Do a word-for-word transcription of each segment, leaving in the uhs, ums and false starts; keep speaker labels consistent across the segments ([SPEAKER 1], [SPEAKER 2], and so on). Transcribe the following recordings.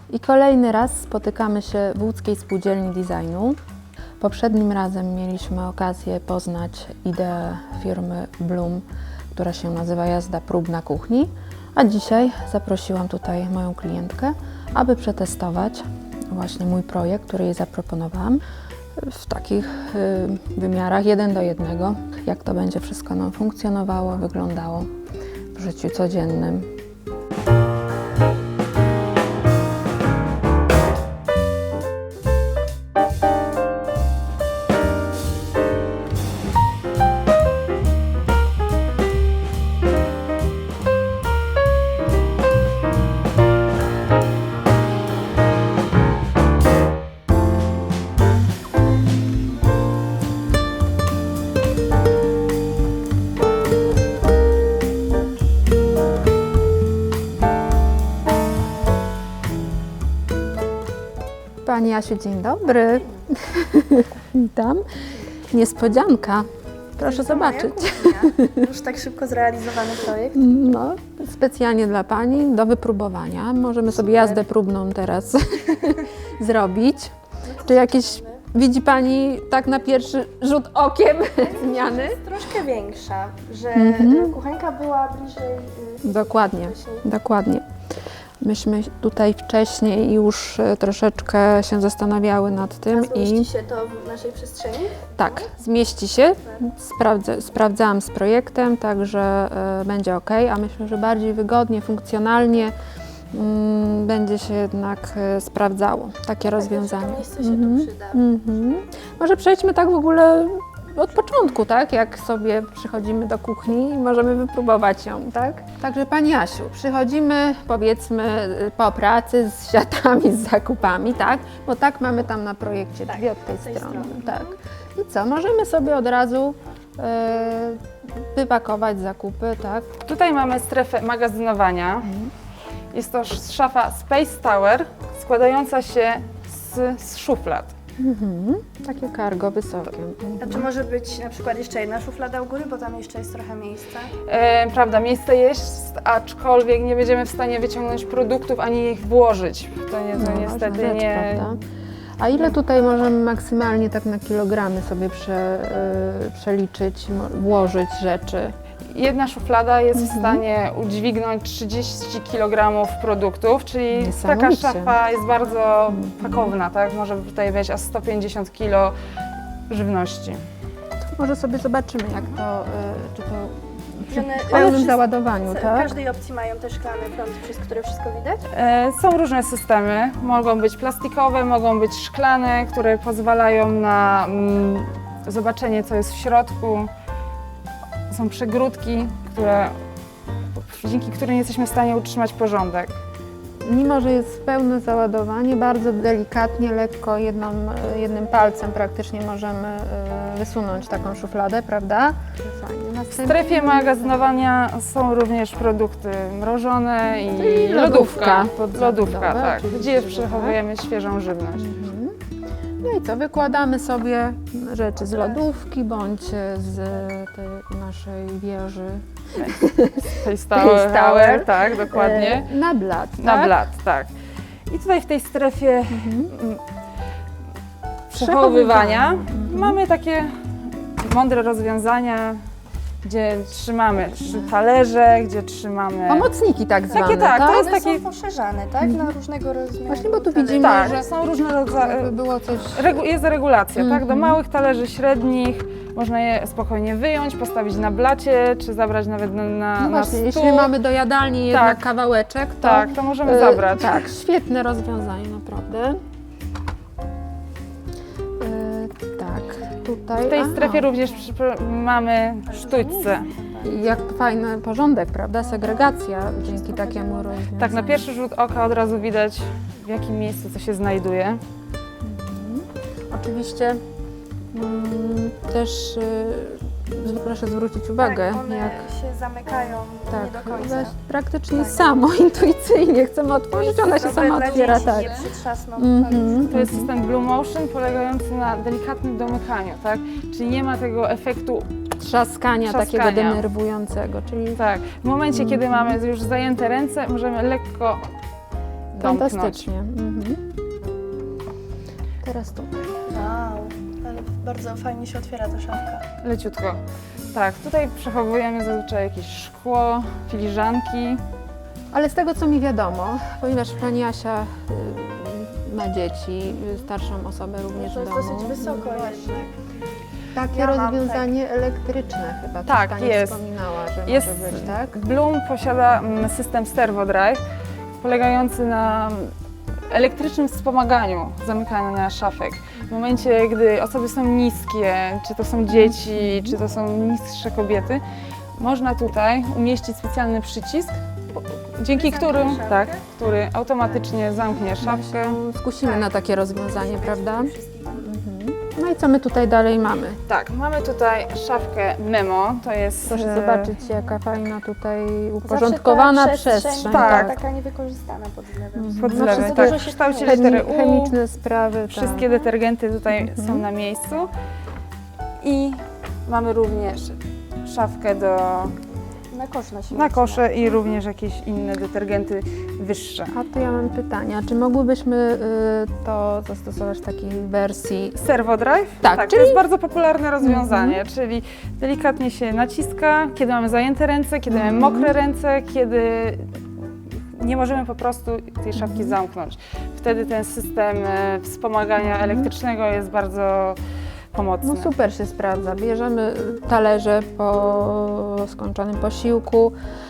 [SPEAKER 1] I kolejny raz spotykamy się w Łódzkiej Spółdzielni Designu. Poprzednim razem mieliśmy okazję poznać ideę firmy Bloom, która się nazywa Jazda prób na kuchni, a dzisiaj zaprosiłam tutaj moją klientkę, aby przetestować właśnie mój projekt, który jej zaproponowałam w takich y, wymiarach jeden do jednego, jak to będzie wszystko nam funkcjonowało, wyglądało w życiu codziennym. Pani Jasiu, dzień dobry. Witam. Niespodzianka. Proszę zobaczyć.
[SPEAKER 2] Już tak szybko zrealizowany projekt.
[SPEAKER 1] No, specjalnie dla Pani, do wypróbowania. Możemy sobie jazdę próbną teraz zrobić. Czy jakieś, widzi Pani tak na pierwszy rzut okiem zmiany?
[SPEAKER 2] Jest troszkę większa, że
[SPEAKER 1] Mhm.
[SPEAKER 2] kuchenka była bliżej y,
[SPEAKER 1] Dokładnie,
[SPEAKER 2] wcześniej.
[SPEAKER 1] dokładnie. Myśmy tutaj wcześniej już e, troszeczkę się zastanawiały nad tym
[SPEAKER 2] A zmieści
[SPEAKER 1] i
[SPEAKER 2] się to w naszej przestrzeni?
[SPEAKER 1] tak, zmieści się. Sprawdzę, sprawdzałam z projektem, także e, będzie ok, a myślę, że bardziej wygodnie, funkcjonalnie mm, będzie się jednak e, sprawdzało takie rozwiązanie.
[SPEAKER 2] To miejsce się
[SPEAKER 1] Mhm.
[SPEAKER 2] tu przyda.
[SPEAKER 1] Mhm. Może przejdźmy tak w ogóle od początku, tak? Jak sobie przychodzimy do kuchni i możemy wypróbować ją, tak? Także Pani Jasiu, przychodzimy powiedzmy po pracy z siatami, z zakupami, tak? Bo tak mamy tam na projekcie
[SPEAKER 2] Tak,
[SPEAKER 1] dwie od tej,
[SPEAKER 2] od tej
[SPEAKER 1] strony,
[SPEAKER 2] strony.
[SPEAKER 1] tak. I co? Możemy sobie od razu e, wypakować zakupy, tak?
[SPEAKER 3] Tutaj mamy strefę magazynowania. Jest to sz- szafa Space Tower składająca się z, z szuflad.
[SPEAKER 1] Mhm. Takie cargo wysokie.
[SPEAKER 2] A czy może być na przykład jeszcze jedna szuflada u góry, bo tam jeszcze jest trochę miejsca?
[SPEAKER 3] E, prawda, miejsce jest, aczkolwiek nie będziemy w stanie wyciągnąć produktów ani ich włożyć. To, nie, to
[SPEAKER 1] No,
[SPEAKER 3] niestety
[SPEAKER 1] ważna rzecz,
[SPEAKER 3] nie.
[SPEAKER 1] prawda? A ile tutaj możemy maksymalnie tak na kilogramy sobie prze, y, przeliczyć, mo- włożyć rzeczy?
[SPEAKER 3] Jedna szuflada jest
[SPEAKER 1] Mhm.
[SPEAKER 3] w stanie udźwignąć trzydzieści kilogramów produktów, czyli taka
[SPEAKER 1] Niesamowicie.
[SPEAKER 3] szafa jest bardzo pakowna, tak? Może tutaj wejść aż sto pięćdziesiąt kilo żywności.
[SPEAKER 1] Może sobie zobaczymy, jak to, y, czy to przy
[SPEAKER 2] One-
[SPEAKER 1] pełnym
[SPEAKER 2] one
[SPEAKER 1] załadowaniu,
[SPEAKER 2] W
[SPEAKER 1] tak?
[SPEAKER 2] każdej opcji mają te szklane prąd, przez które wszystko widać?
[SPEAKER 3] E, Są różne systemy, mogą być plastikowe, mogą być szklane, które pozwalają na mm, zobaczenie, co jest w środku. Są przegródki, które, dzięki którym jesteśmy w stanie utrzymać porządek.
[SPEAKER 1] Mimo, że jest pełne załadowanie, bardzo delikatnie, lekko, jedną, y, jednym palcem praktycznie możemy y, wysunąć taką szufladę, prawda? Fajnie.
[SPEAKER 3] W
[SPEAKER 1] Następnie-
[SPEAKER 3] strefie magazynowania są również produkty mrożone i
[SPEAKER 1] Czyli
[SPEAKER 3] lodówka.
[SPEAKER 1] lodówka.
[SPEAKER 3] Pod lodówka,
[SPEAKER 1] Zabudowa,
[SPEAKER 3] tak,
[SPEAKER 1] oczywiście,
[SPEAKER 3] gdzie
[SPEAKER 1] że
[SPEAKER 3] przechowujemy świeżą żywność.
[SPEAKER 1] Mhm. No i co, wykładamy sobie rzeczy z lodówki bądź z tej naszej wieży
[SPEAKER 3] Space
[SPEAKER 1] Tower.
[SPEAKER 3] Tower, tak, dokładnie.
[SPEAKER 1] e, na blat.
[SPEAKER 3] Na
[SPEAKER 1] tak?
[SPEAKER 3] blat, tak. I tutaj w tej strefie
[SPEAKER 1] Mhm.
[SPEAKER 3] mm, przechowywania
[SPEAKER 1] Mhm.
[SPEAKER 3] mamy takie mądre rozwiązania, gdzie trzymamy trzy talerze, gdzie trzymamy...
[SPEAKER 1] Pomocniki tak zwane,
[SPEAKER 3] Takie tak, to
[SPEAKER 1] tak?
[SPEAKER 3] jest
[SPEAKER 2] One
[SPEAKER 3] takie-
[SPEAKER 2] są poszerzane, tak? Na różnego rozmiaru.
[SPEAKER 1] Właśnie, bo tu
[SPEAKER 2] talerze.
[SPEAKER 1] widzimy,
[SPEAKER 3] Tak,
[SPEAKER 1] że
[SPEAKER 3] są różne
[SPEAKER 1] jakby
[SPEAKER 3] rodzaje.
[SPEAKER 1] było coś...
[SPEAKER 3] Regu- jest regulacja, tak? Do
[SPEAKER 1] Mhm.
[SPEAKER 3] małych talerzy średnich można je spokojnie wyjąć, postawić na blacie, czy zabrać nawet na, na,
[SPEAKER 1] No
[SPEAKER 3] na
[SPEAKER 1] właśnie,
[SPEAKER 3] stół.
[SPEAKER 1] jeśli mamy do jadalni jednak
[SPEAKER 3] Tak.
[SPEAKER 1] kawałeczek, to...
[SPEAKER 3] Tak, to możemy
[SPEAKER 1] e,
[SPEAKER 3] zabrać.
[SPEAKER 1] Tak, świetne rozwiązanie, naprawdę. E, tak, tutaj...
[SPEAKER 3] W tej
[SPEAKER 1] aha.
[SPEAKER 3] strefie również przy- mamy sztućce.
[SPEAKER 1] Jak fajny porządek, prawda? Segregacja dzięki takiemu rozwiązaniu.
[SPEAKER 3] Tak, na pierwszy rzut oka od razu widać, w jakim miejscu co się znajduje.
[SPEAKER 1] Mhm. Oczywiście mm, też y, proszę zwrócić uwagę,
[SPEAKER 2] Tak, one
[SPEAKER 1] jak
[SPEAKER 2] się zamykają nie
[SPEAKER 1] tak,
[SPEAKER 2] do końca.
[SPEAKER 1] one praktycznie
[SPEAKER 2] Tak.
[SPEAKER 1] samo, intuicyjnie chcemy otworzyć, ona się
[SPEAKER 2] Dobre
[SPEAKER 1] sama
[SPEAKER 2] dla
[SPEAKER 1] otwiera,
[SPEAKER 2] dzieci,
[SPEAKER 1] tak.
[SPEAKER 2] Nie przytrzasną.
[SPEAKER 1] Mhm.
[SPEAKER 3] To jest system Blue Motion polegający na delikatnym domykaniu, tak? Czyli nie ma tego efektu,
[SPEAKER 1] Trzaskania, takiego
[SPEAKER 3] Trzaskania.
[SPEAKER 1] denerwującego, czyli
[SPEAKER 3] tak, w momencie, kiedy mamy już zajęte ręce, możemy lekko domknąć.
[SPEAKER 1] fantastycznie. Mhm. Teraz tutaj.
[SPEAKER 2] Wow, ale bardzo fajnie się otwiera ta szafka.
[SPEAKER 3] Leciutko. Tak, tutaj przechowujemy zazwyczaj jakieś szkło, filiżanki.
[SPEAKER 1] Ale z tego, co mi wiadomo, ponieważ pani Asia y, ma dzieci, y, starszą osobę również
[SPEAKER 2] To
[SPEAKER 1] w
[SPEAKER 2] jest
[SPEAKER 1] domu.
[SPEAKER 2] dosyć wysoko jednak.
[SPEAKER 1] Takie
[SPEAKER 2] Ja mam
[SPEAKER 1] rozwiązanie elektryczne chyba,
[SPEAKER 3] Tak,
[SPEAKER 1] coś pani
[SPEAKER 3] jest.
[SPEAKER 1] wspominała, że
[SPEAKER 3] Jest,
[SPEAKER 1] może być, tak?
[SPEAKER 3] Bloom posiada mm, system Servo Drive, polegający na elektrycznym wspomaganiu zamykania szafek. W momencie, gdy osoby są niskie, czy to są dzieci, czy to są niższe kobiety, można tutaj umieścić specjalny przycisk, dzięki
[SPEAKER 2] Zamknie
[SPEAKER 3] którym,
[SPEAKER 2] szafkę?
[SPEAKER 3] tak, który automatycznie zamknie szafkę.
[SPEAKER 1] Skusimy na takie rozwiązanie, prawda? No i co my tutaj dalej mamy?
[SPEAKER 3] Tak, mamy tutaj szafkę Memo, to jest...
[SPEAKER 1] Proszę
[SPEAKER 3] e,
[SPEAKER 1] zobaczyć, jaka fajna tutaj
[SPEAKER 2] Zawsze
[SPEAKER 1] uporządkowana
[SPEAKER 2] ta
[SPEAKER 1] przestrzeń.
[SPEAKER 3] tak.
[SPEAKER 2] Taka niewykorzystana pod względem.
[SPEAKER 3] pod
[SPEAKER 1] No,
[SPEAKER 3] zlewem,
[SPEAKER 1] wszystko
[SPEAKER 3] tak,
[SPEAKER 2] dużo
[SPEAKER 3] w
[SPEAKER 2] się
[SPEAKER 3] kształcie
[SPEAKER 2] chemi-
[SPEAKER 3] litery
[SPEAKER 1] Chemi-
[SPEAKER 3] U.
[SPEAKER 1] chemiczne sprawy,
[SPEAKER 3] Wszystkie
[SPEAKER 1] tak.
[SPEAKER 3] detergenty tutaj są na miejscu. I mamy również szafkę do,
[SPEAKER 2] Na kosz na śmieci.
[SPEAKER 3] na kosze i również jakieś inne detergenty wyższe.
[SPEAKER 1] A tu ja mam pytanie, a czy mogłybyśmy y, to zastosować w takiej wersji?
[SPEAKER 3] Servo Drive?
[SPEAKER 1] Tak,
[SPEAKER 3] to
[SPEAKER 1] czyli-
[SPEAKER 3] jest bardzo popularne rozwiązanie, czyli delikatnie się naciska, kiedy mamy zajęte ręce, kiedy mamy mokre ręce, kiedy nie możemy po prostu tej szafki zamknąć. Wtedy ten system e, wspomagania elektrycznego jest bardzo pomocny.
[SPEAKER 1] No super się sprawdza. Bierzemy talerze po skończonym posiłku,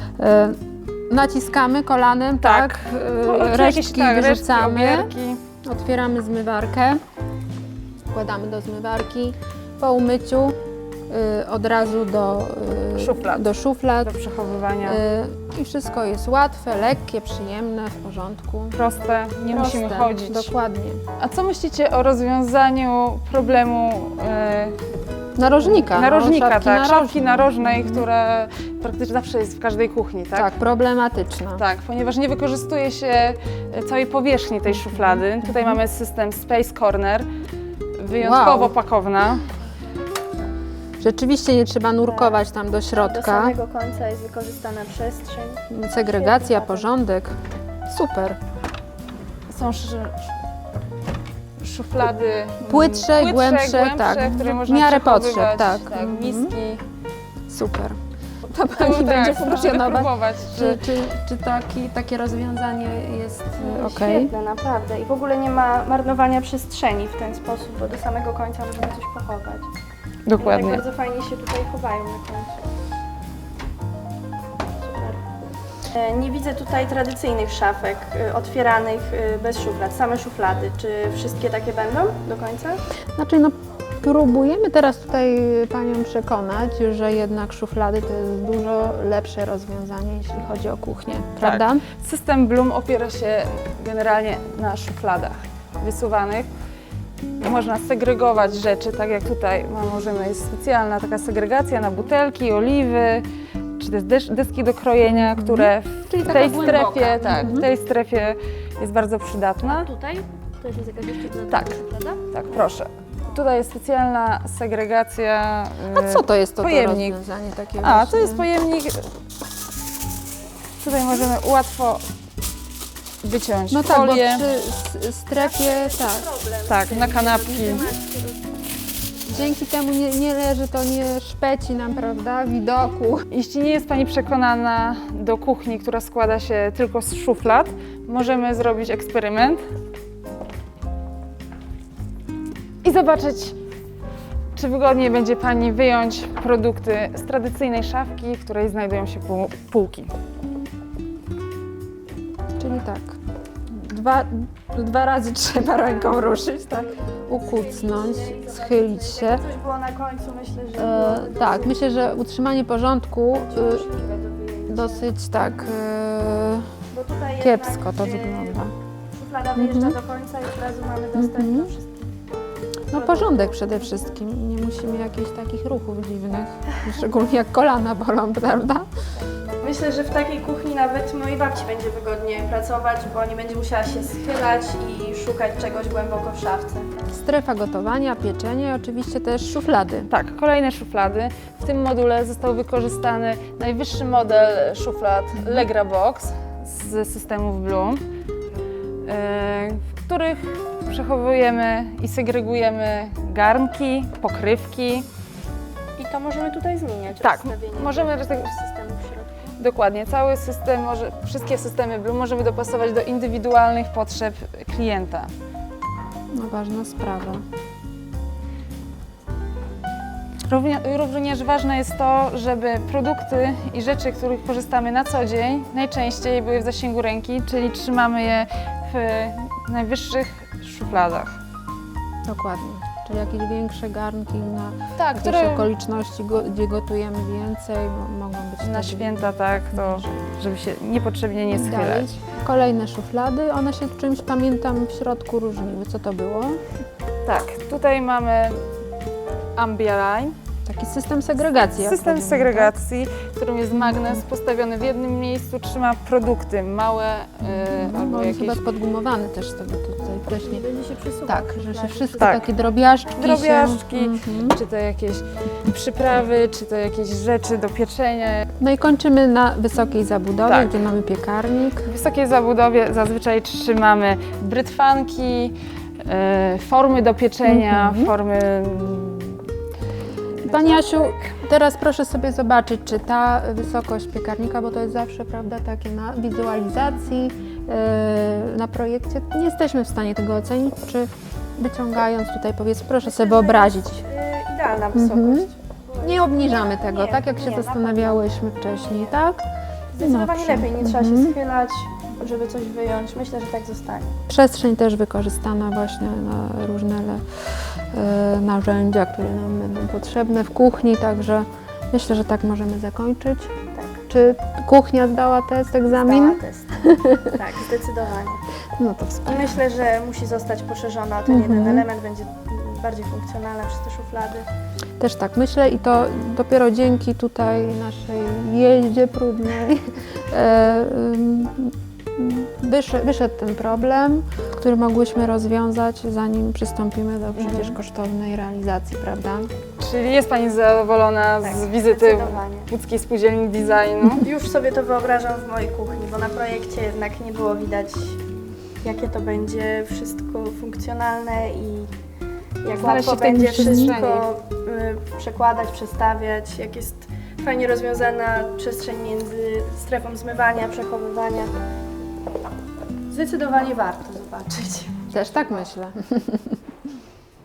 [SPEAKER 1] y, naciskamy kolanem, tak,
[SPEAKER 3] O,
[SPEAKER 1] y,
[SPEAKER 3] czy
[SPEAKER 1] resztki
[SPEAKER 3] jakieś, tak, resztki,
[SPEAKER 1] wyrzucamy,
[SPEAKER 3] obierki.
[SPEAKER 1] otwieramy zmywarkę, wkładamy do zmywarki, po umyciu y, od razu do, y,
[SPEAKER 3] Szuflad.
[SPEAKER 1] do szuflad.
[SPEAKER 3] do przechowywania.
[SPEAKER 1] Y, I wszystko jest łatwe, lekkie, przyjemne, w porządku.
[SPEAKER 3] Proste, nie
[SPEAKER 1] Proste,
[SPEAKER 3] musimy chodzić.
[SPEAKER 1] Dokładnie.
[SPEAKER 3] A co myślicie o rozwiązaniu problemu e,
[SPEAKER 1] Narożnika. no,
[SPEAKER 3] narożnika,
[SPEAKER 1] szafki
[SPEAKER 3] tak,
[SPEAKER 1] narożnej.
[SPEAKER 3] szafki narożnej, która praktycznie zawsze jest w każdej kuchni, tak?
[SPEAKER 1] Tak, problematyczna.
[SPEAKER 3] Tak, ponieważ nie wykorzystuje się e, całej powierzchni tej szuflady. Tutaj mamy system Space Corner, wyjątkowo
[SPEAKER 1] Wow.
[SPEAKER 3] pakowna.
[SPEAKER 1] Rzeczywiście nie trzeba nurkować tam do
[SPEAKER 2] Do
[SPEAKER 1] środka.
[SPEAKER 2] samego końca jest wykorzystana przestrzeń.
[SPEAKER 1] Segregacja,
[SPEAKER 2] Świetny
[SPEAKER 1] porządek. Super.
[SPEAKER 3] Są sz, szuflady mm,
[SPEAKER 1] Płytsze, głębsze, tak,
[SPEAKER 3] które
[SPEAKER 1] w
[SPEAKER 3] można
[SPEAKER 1] miarę
[SPEAKER 3] przechowywać,
[SPEAKER 1] potrzeb, tak.
[SPEAKER 3] tak
[SPEAKER 1] Mhm.
[SPEAKER 3] miski.
[SPEAKER 1] Super. To
[SPEAKER 3] Tu,
[SPEAKER 1] Pani
[SPEAKER 3] tak,
[SPEAKER 1] będzie
[SPEAKER 3] proszę
[SPEAKER 1] funkcjonować.
[SPEAKER 3] wypróbować,
[SPEAKER 1] Czy, czy, czy taki, takie rozwiązanie jest ok?
[SPEAKER 2] Świetne, naprawdę. I w ogóle nie ma marnowania przestrzeni w ten sposób, bo do samego końca możemy coś pochować. I
[SPEAKER 3] Dokładnie.
[SPEAKER 2] tak bardzo fajnie się tutaj chowają na końcu. Super. E, Nie widzę tutaj tradycyjnych szafek e, otwieranych e, bez szuflad, same szuflady. Czy wszystkie takie będą do końca?
[SPEAKER 1] Znaczy, no, próbujemy teraz tutaj Panią przekonać, że jednak szuflady to jest dużo lepsze rozwiązanie, jeśli chodzi o kuchnię, prawda?
[SPEAKER 3] System Bloom opiera się generalnie na szufladach wysuwanych. Można segregować rzeczy, tak jak tutaj możemy, jest specjalna taka segregacja na butelki, oliwy, czy też des- deski do krojenia, które w
[SPEAKER 1] Czyli taka
[SPEAKER 3] tej
[SPEAKER 1] głęboka.
[SPEAKER 3] strefie, tak,
[SPEAKER 1] Mhm.
[SPEAKER 3] w tej strefie jest bardzo przydatna.
[SPEAKER 2] Tutaj? To jest jakaś jeszcze
[SPEAKER 3] Tak.
[SPEAKER 2] szuflada?
[SPEAKER 3] Tak, proszę. Tutaj jest specjalna segregacja.
[SPEAKER 1] A co to jest to, to
[SPEAKER 3] Pojemnik.
[SPEAKER 1] rozwiązanie takie
[SPEAKER 3] A,
[SPEAKER 1] właśnie?
[SPEAKER 3] to jest pojemnik. Tutaj możemy łatwo wyciąć
[SPEAKER 1] No tak, bo
[SPEAKER 3] folię.
[SPEAKER 1] przy s- strefie, tak.
[SPEAKER 3] Tak, na kanapki.
[SPEAKER 1] Dzięki temu nie, nie leży to, nie szpeci nam, prawda, widoku.
[SPEAKER 3] Jeśli nie jest Pani przekonana do kuchni, która składa się tylko z szuflad, możemy zrobić eksperyment i zobaczyć, czy wygodnie będzie Pani wyjąć produkty z tradycyjnej szafki, w której znajdują się pół- półki.
[SPEAKER 1] Czyli tak, dwa, dwa razy trzeba ręką ruszyć, tak, ukucnąć, schylić się.
[SPEAKER 2] Jakby coś było na końcu, myślę, że
[SPEAKER 1] E,
[SPEAKER 2] byłoby
[SPEAKER 1] tak,
[SPEAKER 2] dosyć
[SPEAKER 1] myślę, że utrzymanie porządku
[SPEAKER 2] możliwe
[SPEAKER 1] y,
[SPEAKER 2] do wyjęcia.
[SPEAKER 1] dosyć tak e,
[SPEAKER 2] Bo tutaj
[SPEAKER 1] kiepsko
[SPEAKER 2] jednak,
[SPEAKER 1] to
[SPEAKER 2] e,
[SPEAKER 1] wygląda.
[SPEAKER 2] Szuflada wyjeżdża do końca i od razu mamy dostęp
[SPEAKER 1] Mhm.
[SPEAKER 2] do wszystkich.
[SPEAKER 1] No porządek przede wszystkim, nie musimy jakichś takich ruchów dziwnych, szczególnie jak kolana bolą, prawda?
[SPEAKER 2] Myślę, że w takiej kuchni nawet mojej babci będzie wygodnie pracować, bo nie będzie musiała się schylać i szukać czegoś głęboko w szafce.
[SPEAKER 1] Strefa gotowania, pieczenie, oczywiście też szuflady.
[SPEAKER 3] Tak, kolejne szuflady. W tym module został wykorzystany najwyższy model szuflad Legra Box z systemów Bloom. w których przechowujemy i segregujemy garnki, pokrywki.
[SPEAKER 2] I to możemy tutaj zmieniać.
[SPEAKER 3] Tak,
[SPEAKER 2] rozstawienie
[SPEAKER 3] możemy
[SPEAKER 2] tych
[SPEAKER 3] rozsta-
[SPEAKER 2] systemów w środku.
[SPEAKER 3] Dokładnie, cały system, może, wszystkie systemy Bloom możemy dopasować do indywidualnych potrzeb klienta.
[SPEAKER 1] No, ważna sprawa.
[SPEAKER 3] Równie, również ważne jest to, żeby produkty i rzeczy, których korzystamy na co dzień, najczęściej były w zasięgu ręki, czyli trzymamy je w najwyższych szufladach.
[SPEAKER 1] Dokładnie. Czyli jakieś większe garnki na
[SPEAKER 3] Tak,
[SPEAKER 1] jakieś
[SPEAKER 3] które
[SPEAKER 1] okoliczności, go, gdzie gotujemy więcej, mo- mogą być
[SPEAKER 3] na
[SPEAKER 1] wtedy
[SPEAKER 3] święta, tak, to żeby się niepotrzebnie nie
[SPEAKER 1] dalej.
[SPEAKER 3] schylać.
[SPEAKER 1] Kolejne szuflady, one się czymś, pamiętam, w środku różniły. Co to było?
[SPEAKER 3] Tak, tutaj mamy Ambialine,
[SPEAKER 1] Taki system segregacji. jak
[SPEAKER 3] system
[SPEAKER 1] powiemy,
[SPEAKER 3] segregacji, w którym jest magnes postawiony w jednym miejscu, trzyma produkty małe
[SPEAKER 1] tak?
[SPEAKER 3] yy, albo
[SPEAKER 1] On jest
[SPEAKER 3] jakieś
[SPEAKER 1] chyba podgumowany też z tego tutaj wcześniej.
[SPEAKER 2] Będzie się przesuwać.
[SPEAKER 1] Tak, że się wszystkie
[SPEAKER 3] Tak.
[SPEAKER 1] takie drobiażdżki
[SPEAKER 3] drobiażdżki,
[SPEAKER 1] się... Mhm.
[SPEAKER 3] czy to jakieś przyprawy, czy to jakieś rzeczy do pieczenia.
[SPEAKER 1] No i kończymy na wysokiej zabudowie,
[SPEAKER 3] Tak.
[SPEAKER 1] gdzie mamy piekarnik.
[SPEAKER 3] W wysokiej zabudowie zazwyczaj trzymamy brytwanki, yy, formy do pieczenia,
[SPEAKER 1] Mhm.
[SPEAKER 3] formy...
[SPEAKER 1] Pani Asiu, teraz proszę sobie zobaczyć, czy ta wysokość piekarnika, bo to jest zawsze, prawda, takie na wizualizacji, yy, na projekcie, nie jesteśmy w stanie tego ocenić, czy wyciągając tutaj, powiedzmy, proszę sobie wyobrazić.
[SPEAKER 2] Yy, idealna
[SPEAKER 1] Mhm.
[SPEAKER 2] wysokość.
[SPEAKER 1] Nie obniżamy tego,
[SPEAKER 2] Nie,
[SPEAKER 1] tak jak się
[SPEAKER 2] nie, na
[SPEAKER 1] zastanawiałyśmy wcześniej, tak?
[SPEAKER 2] Zdecydowanie
[SPEAKER 1] Dobrze.
[SPEAKER 2] lepiej, nie trzeba się
[SPEAKER 1] Mhm.
[SPEAKER 2] schylać, żeby coś wyjąć. Myślę, że tak zostanie.
[SPEAKER 1] Przestrzeń też wykorzystana właśnie na różne le, e, narzędzia, które nam będą potrzebne w kuchni, także myślę, że tak możemy zakończyć.
[SPEAKER 2] Tak.
[SPEAKER 1] Czy kuchnia zdała test, egzamin?
[SPEAKER 2] Zdała test. Tak, zdecydowanie.
[SPEAKER 1] No to
[SPEAKER 2] I
[SPEAKER 1] wspaniale.
[SPEAKER 2] myślę, że musi zostać poszerzona o ten
[SPEAKER 1] Mhm.
[SPEAKER 2] jeden element, będzie bardziej funkcjonalna przez te szuflady.
[SPEAKER 1] Też tak myślę i to dopiero dzięki tutaj naszej jeździe próbnej e, ym, wyszedł, wyszedł ten problem, który mogłyśmy rozwiązać, zanim przystąpimy do przecież
[SPEAKER 2] Mhm.
[SPEAKER 1] kosztownej realizacji, prawda?
[SPEAKER 3] Czyli jest Pani zadowolona
[SPEAKER 2] Tak,
[SPEAKER 3] z wizyty
[SPEAKER 2] zdecydowanie.
[SPEAKER 3] Łódzkiej Spółdzielni Designu?
[SPEAKER 2] Już sobie to wyobrażam w mojej kuchni, bo na projekcie jednak nie było widać, jakie to będzie wszystko funkcjonalne i jak
[SPEAKER 3] Znaleźć
[SPEAKER 2] łatwo
[SPEAKER 3] się w tej
[SPEAKER 2] będzie
[SPEAKER 3] przestrzeni.
[SPEAKER 2] wszystko y, przekładać, przestawiać, jak jest fajnie rozwiązana przestrzeń między strefą zmywania, przechowywania. Zdecydowanie warto zobaczyć.
[SPEAKER 1] Też tak myślę.